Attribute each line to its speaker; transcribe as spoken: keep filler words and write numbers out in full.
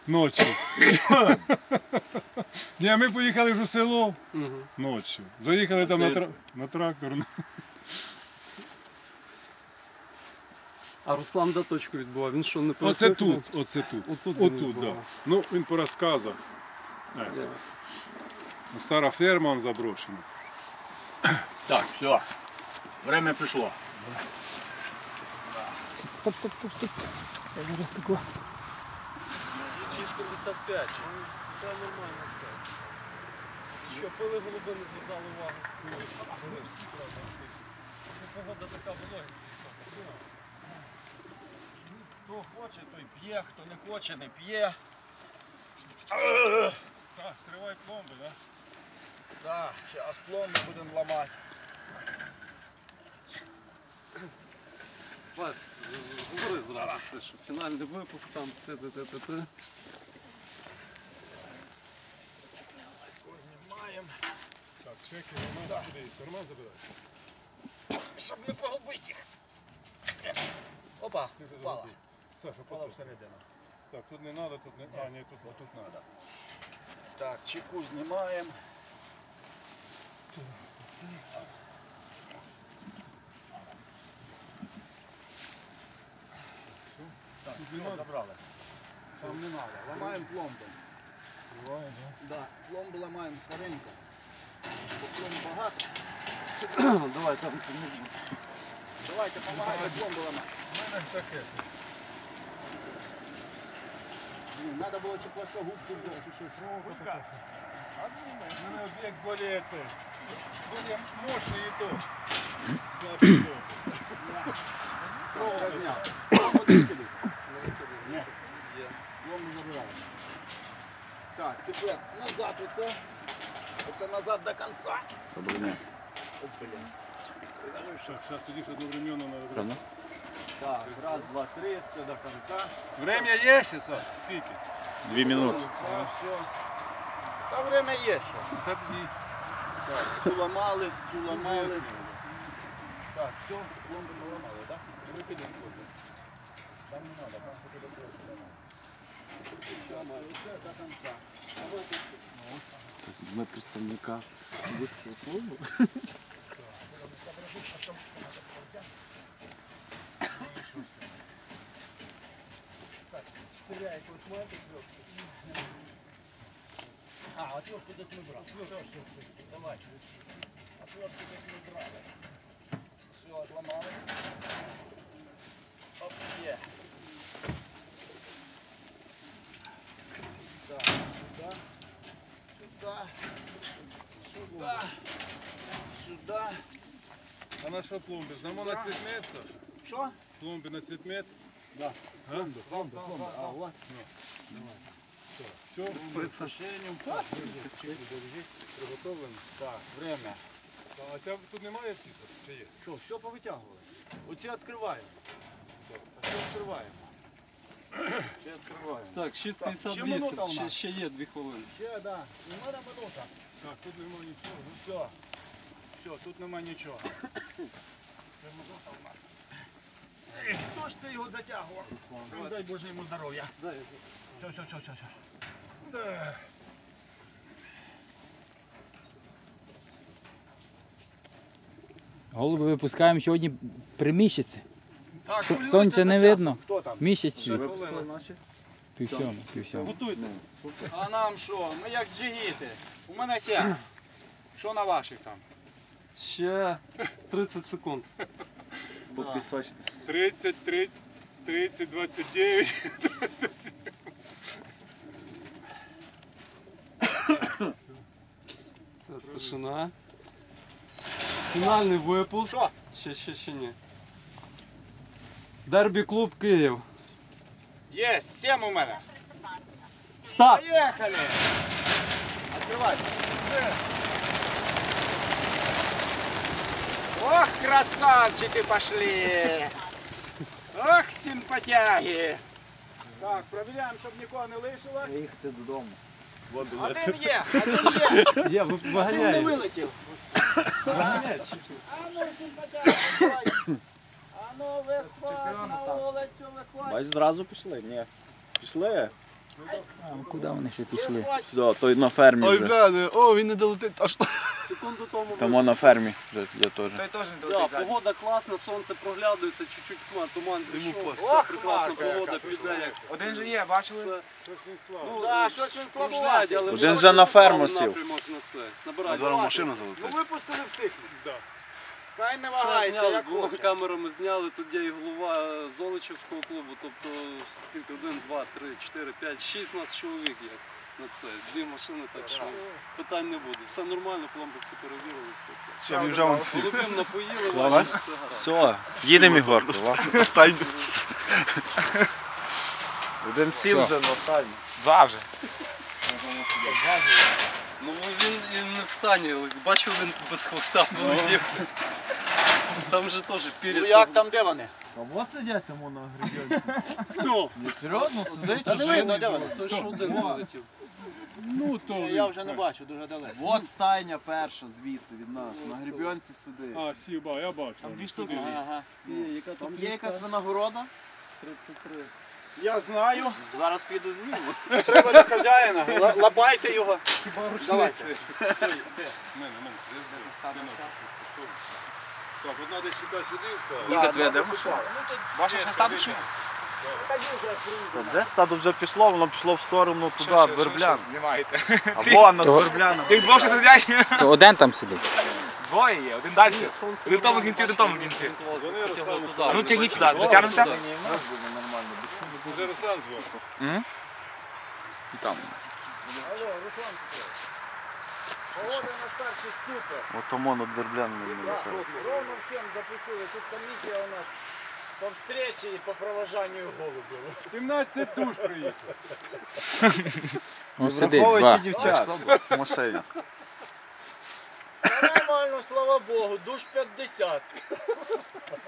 Speaker 1: Ночі. Ні, ми поїхали вже в село ночі. Заїхали там на, тра... на трактор.
Speaker 2: А Руслан де точку відбував? Він що, не
Speaker 1: Оце тут, оце тут.
Speaker 2: Отут,
Speaker 1: Отут, так. Ну, він по розказах. Стара ферма, он заброшена.
Speaker 3: Так, все. Время пришло.
Speaker 2: Стоп, стоп, стоп, стоп. шість п'ятдесят п'ять. Все нормально, все. Що, пили голуби, не звертали увагу? Погода така вологість.
Speaker 3: Хто хоче, той п'є, хто не хоче, не п'є.
Speaker 1: Так, стривай пломби, так?
Speaker 3: Так, зараз пломби будемо ламати.
Speaker 2: Вась, говори зразу, це що фінальний випуск там, т-т-т-т-т.
Speaker 3: Знімаємо.
Speaker 1: Так, чеки, Роман, куди їх? Роман забирай.
Speaker 3: Щоб не погубити їх. Опа, впала.
Speaker 1: Саша,
Speaker 3: Впала
Speaker 1: потім.
Speaker 3: всередину.
Speaker 1: Так, тут не треба, тут не... А, ні, тут, тут треба.
Speaker 3: Так, чеку знімаємо. Так, все, забрали. Там не треба. Ламаємо пломби.
Speaker 1: Триває, да?
Speaker 3: Да, пломбу ламаємо старенько. Бо пломб багато.
Speaker 2: Давай, там поможемо.
Speaker 3: Давайте, допомагайте пломбу ламати.
Speaker 1: У мене таке.
Speaker 3: Треба було чи просто губку взяти, чи щось. Губка.
Speaker 1: У мене об'єкт более це. Более мощний і то. Слабий то.
Speaker 3: Строго розняв. Пломбу дикелі. Ні. Пломбу забираємо. Так, тепер назад оце. Оце назад до кінця. О, блін.
Speaker 1: Так, зараз тоді ж одновременно треба.
Speaker 3: Так, раз, два, три, все до кінця.
Speaker 1: Время є ще, Саш? Скільки?
Speaker 4: Дві минути.
Speaker 3: Так, все. Та время є ще.
Speaker 1: Та тоді.
Speaker 3: Так, цю ламали, цю ламали. Так, все, пломбу ми ламали, так? Викидаємо пломбу. Там не треба, там поки до того ламали. Все, до кінця.
Speaker 2: Тобто ми представника близького клубу.
Speaker 3: А, отвертку десь ми брали. Все, все, все. Давай. Отвертку десь ми брали. Все, отламали. Оп, є. Так, сюди. Сюди. Сюди. Сюди.
Speaker 1: А на що пломби? Знамо на цвітмет, Саш?
Speaker 3: Що?
Speaker 1: Пломби на цвітмет?
Speaker 3: Да.
Speaker 1: Пломби,
Speaker 3: Пломби, пломби. А, вот.
Speaker 1: Все,
Speaker 3: З прицешенням.
Speaker 1: приготовлено.
Speaker 3: Так, время.
Speaker 1: А ця тут немає птиці? Чи є?
Speaker 3: Що, все повитягували? Оці відкриваємо. Оці відкриваємо. Це відкриваємо.
Speaker 2: Так, шість п'ятдесят
Speaker 3: ще минута у
Speaker 2: вісім, ще,
Speaker 3: нас.
Speaker 2: ще є дві хвилини.
Speaker 3: Ще, да. Нема на минута.
Speaker 1: Так, тут немає нічого.
Speaker 3: Ну все. Все, тут нема нічого. Це минута у нас. Ех, хто ж це його затягував? Ну, дай Боже йому здоров'я. Все, все, все, все, все.
Speaker 1: Да.
Speaker 4: Голуби випускаємо сьогодні при місяці.
Speaker 3: Так,
Speaker 4: Сонця не видно.
Speaker 3: Хто там?
Speaker 4: Місяць
Speaker 2: Випустили наші.
Speaker 4: пів сьому, пів сьому.
Speaker 3: Готуйте. А нам що? Ми як джигіти. У мене сім. Що на ваших там?
Speaker 2: Ще тридцять секунд.
Speaker 3: Попісочте.
Speaker 1: тридцять, тридцять, двадцять дев'ять.
Speaker 2: Це тишина. Фінальний випуск.
Speaker 3: Що?
Speaker 2: Ще, ще, ще ні. Дербі клуб Київ.
Speaker 3: Є, сім у мене.
Speaker 2: Старт!
Speaker 3: Поехали! Открывай. Ох, красавчики пошли! Ох, симпатяги! Так, проверяем, щоб нікого не лишило.
Speaker 4: Їхати додому.
Speaker 3: Один є, один є.
Speaker 2: Я ви-
Speaker 3: Один не
Speaker 2: виганяю.
Speaker 3: вилетів.
Speaker 2: Виганяю.
Speaker 3: А ну, симпатяги, давай. А ну, виходь на вулицю, виходь.
Speaker 4: Бач, зразу пішли? Ні. Пішли? А куди вони ще пішли?
Speaker 3: Все, той на фермі
Speaker 2: Ой,
Speaker 3: вже.
Speaker 2: бля, не- о, він не долетить аж.
Speaker 3: Секунду тому. Там на фермі вже є теж.
Speaker 5: Той теж не
Speaker 2: Ну,
Speaker 3: Да,
Speaker 5: долетить.
Speaker 3: погода класна, сонце проглядується, чуть-чуть туман, туман
Speaker 2: Йому
Speaker 3: пішов.
Speaker 2: пофіг.
Speaker 3: Все прекрасна погода, піде як.
Speaker 5: Один же є, бачили?
Speaker 3: Це,
Speaker 1: Щось він слава.
Speaker 3: ну,
Speaker 5: Да, щось він
Speaker 3: кружлять,
Speaker 5: слабуватий.
Speaker 3: але
Speaker 4: Один
Speaker 3: вже
Speaker 4: же на ферму
Speaker 3: напрямок
Speaker 4: сів.
Speaker 3: на це.
Speaker 2: А
Speaker 3: Набирайте.
Speaker 2: зараз машина
Speaker 5: Ну
Speaker 2: залетить.
Speaker 5: випустили втихнуть.
Speaker 1: Да.
Speaker 5: Хай не
Speaker 3: Все
Speaker 5: вагається,
Speaker 3: зняли,
Speaker 5: як
Speaker 3: двома
Speaker 5: хоче.
Speaker 3: камерами зняли, тут є і голова е, Золочівського клубу, тобто скільки, один, два, три, чотири, п'ять, шість нас чоловік є на це. Дві машини, так що питань не буде. Все нормально, пломбовці перевірили, все це.
Speaker 2: Все, він вже вон сів.
Speaker 3: Голубим напоїли,
Speaker 2: Клас.
Speaker 3: бачите, все гаразд.
Speaker 4: Все, їдемо Ігорку.
Speaker 2: Стань.
Speaker 3: Один сів вже на стані.
Speaker 5: Два вже.
Speaker 3: Ну він, він не встані, але бачив, він без хвоста полетів. Там же теж пір'я.
Speaker 5: Ну як там, де вони?
Speaker 2: А от сидять там на гребенці.
Speaker 3: Хто?
Speaker 2: Не серйозно сидить?
Speaker 5: Та не видно, де вони?
Speaker 3: Той, що один вилетів.
Speaker 1: Ну то.
Speaker 5: Я вже не бачу, дуже далеко.
Speaker 2: От стайня перша звідси від нас. На гребенці сидить.
Speaker 1: А, сів, ба, я бачу.
Speaker 2: Там дві штуки.
Speaker 5: Ага.
Speaker 3: Яка
Speaker 2: Там є якась винагорода?
Speaker 5: Я знаю.
Speaker 2: Зараз піду зніму.
Speaker 5: Треба до хазяїна. Ла- Лапайте його. Давайте.
Speaker 1: Мене, мене. Так, от треба сюди, сюди.
Speaker 5: Ніка, твоя де машина? Ваша ще статус?
Speaker 3: Де стадо вже пішло, воно пішло в сторону туди, Верблян.
Speaker 5: Знімаєте.
Speaker 3: Або над
Speaker 4: То-
Speaker 3: Вербляном.
Speaker 5: Тих двох ще сидять.
Speaker 4: То один там сидить.
Speaker 5: Двоє є, один далі. Один в тому кінці, один в тому кінці.
Speaker 1: Вони Руслан
Speaker 5: А ну тягніть туди, дотягнемося?
Speaker 1: Вже Руслан зверху.
Speaker 4: Там.
Speaker 3: От тому над Вербляном.
Speaker 5: Ровно всем запустили. Тут комиссия у нас по встрече и по провожанию голубів.
Speaker 1: сімнадцять душ приїхало.
Speaker 4: Ну сидить два.
Speaker 3: дівчат в машині.
Speaker 5: Нормально, слава Богу, душ п'ятдесят.